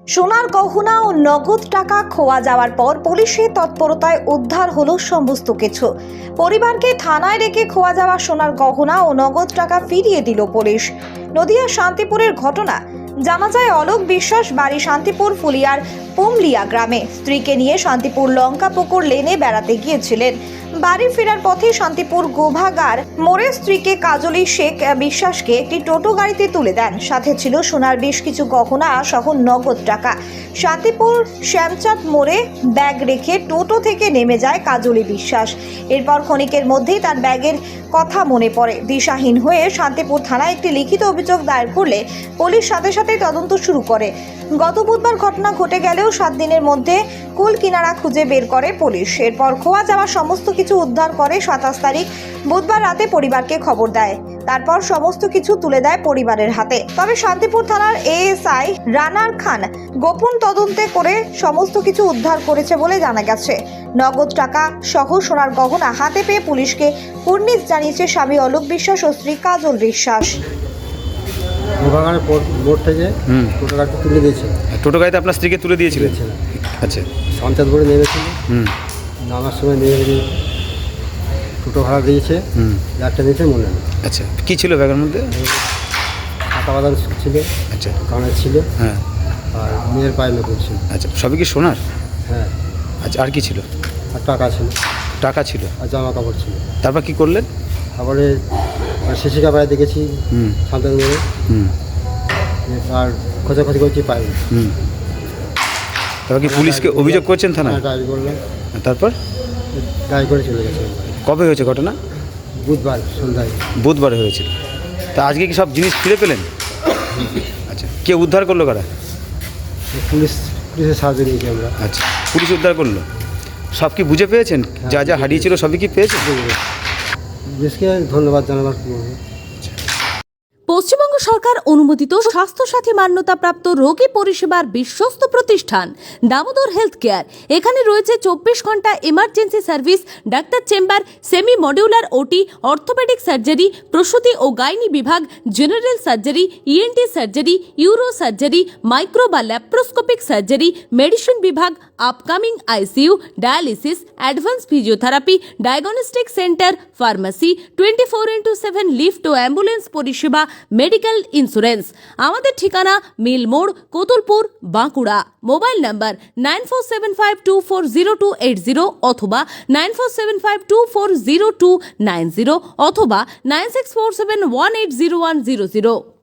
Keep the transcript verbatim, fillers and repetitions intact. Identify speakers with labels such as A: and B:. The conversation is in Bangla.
A: সোনার গহনা ও নগদ টাকা খোয়া যাওয়ার পর পুলিশের তৎপরতায় উদ্ধার হলো সমস্ত কিছু। পরিবারকে থানায় রেখে খোয়া যাওয়া সোনার গহনা ও নগদ টাকা ফিরিয়ে দিল পুলিশ। নদিয়া শান্তিপুরের ঘটনা। জানা যায় অলোক বিশ্বাস বাড়ি শান্তিপুর ফুলিয়ার পুমলিয়া গ্রামে স্ত্রীকে নিয়ে শান্তিপুর লঙ্কাপুকুর লেনে বেড়াতে গিয়েছিলেন। বাড়ি ফেরার পথে শান্তিপুর গোভাগার মোড়ে স্ত্রীকে কাজলি শেখ বিশ্বাসকে একটি টোটো গাড়িতে তুলে দেন। সাথে ছিল সোনার বেশ কিছু গহনা সহ নগদ টাকা। শান্তিপুর শ্যামচাঁদ মোড়ে ব্যাগ রেখে টোটো থেকে নেমে যায় কাজলি বিশ্বাস। এরপর ক্ষণিকের মধ্যেই তার ব্যাগের কথা মনে পড়ে। দিশাহীন হয়ে শান্তিপুর থানায় একটি লিখিত অভিযোগ দায়ের করলে পুলিশ সাথে সাথে তদন্ত শুরু করে। গত বুধবার ঘটনা ঘটে গেলেও সাত দিনের মধ্যে কুল কিনারা খুঁজে বের করে পুলিশ। এরপর খোয়া যাওয়া সমস্ত কিছু উদ্ধার করে সাতাশ তারিখ বুধবার রাতে পরিবারকে খবর দেয়। তারপর সমস্ত কিছু তুলে দেয় পরিবারের হাতে। তবে শান্তিপুর থানার এএসআই রানার খান গোপন তদন্তে করে সমস্ত কিছু উদ্ধার করেছে বলে জানা গেছে। নগদ টাকা সহ সোনার গহনা হাতে পেয়ে পুলিশকে কুর্নিশ জানিয়েছে স্বামী অলোক বিশ্বাস ও স্ত্রী কাজল বিশ্বাস।
B: গোভাগানের মোড় থেকে টোটো গাড়িতে তুলে দিয়েছিল।
C: টোটো গাড়িতে আপনার স্ত্রীকে তুলে দিয়েছিলেন? আচ্ছা।
B: সঞ্চাদ করে নেমেছিল।
C: হুম
B: নামার সময় নেমে টোটো ভাড়া দিয়েছে, ব্যাগটা দিয়েছে মনে নেই।
C: আচ্ছা, কী ছিল ব্যাগের মধ্যে?
B: কাঁটা বাদাম ছিল,
C: আচ্ছা,
B: কানের ছিল,
C: হ্যাঁ,
B: আর মেয়ের পায়ে নতুন ছিল।
C: আচ্ছা, সবই কি সোনার?
B: হ্যাঁ।
C: আচ্ছা, আর কি ছিল?
B: আর টাকা ছিল।
C: টাকা ছিল
B: আর জামা কাপড় ছিল।
C: তারপর কি করলেন?
B: তারপরে শিশি কাপড়ে দেখেছি
C: হুম
B: সন্তান মেরে,
C: হুম
B: আর খোঁজাখুঁজি করছি পাইনি।
C: হুম তারপর কি পুলিশকে অভিযোগ করছেন থানায়?
B: ডায়েরি করলাম।
C: তারপর
B: ডায়েরি করে চলে গেছে।
C: কবে হয়েছে ঘটনা?
B: বুধবার সন্ধ্যায়।
C: বুধবারে হয়েছিল। তা আজকে কি সব জিনিস ফিরে পেলেন? আচ্ছা, কে উদ্ধার করলো কারা?
B: পুলিশ পুলিশের সাহায্য নিয়েছি আমরা।
C: আচ্ছা, পুলিশ উদ্ধার করলো। সব কি বুঝে পেয়েছেন? যা যা হারিয়েছিল সবই কি পেয়েছেন?
B: পুলিশকে ধন্যবাদ জানাবার কি বলবো।
D: পশ্চিমবঙ্গ সরকার অনুমোদিত স্বাস্থ্যসাথী মান্যতাপ্রাপ্ত রোগী পরিষেবার বিশ্বস্ত প্রতিষ্ঠান দামোদর হেলথ কেয়ার। এখানে রয়েছে চব্বিশ ঘন্টা emergency service, doctor chamber, semi modular OT, orthopaedic surgery, প্রসূতি ও গাইনি বিভাগ, general surgery, ENT surgery, uro surgery, micro বা ল্যাপ্রোস্কোপিক সার্জারি, মেডিসিন বিভাগ, upcoming ICU, dialysis, advance physiotherapy, diagnostic centre, pharmacy, twenty four into seven lift ও অ্যাম্বুলেন্স পরিষেবা, মেডিকেল ইন্স্যুরেন্স। আমাদের ঠিকানা মিল মোড়, Kotulpur, Bankura. Mobile number nine four seven five two four zero two eight zero অথবা nine four seven five two four zero two nine zero অথবা nine six four seven one eight zero one zero zero.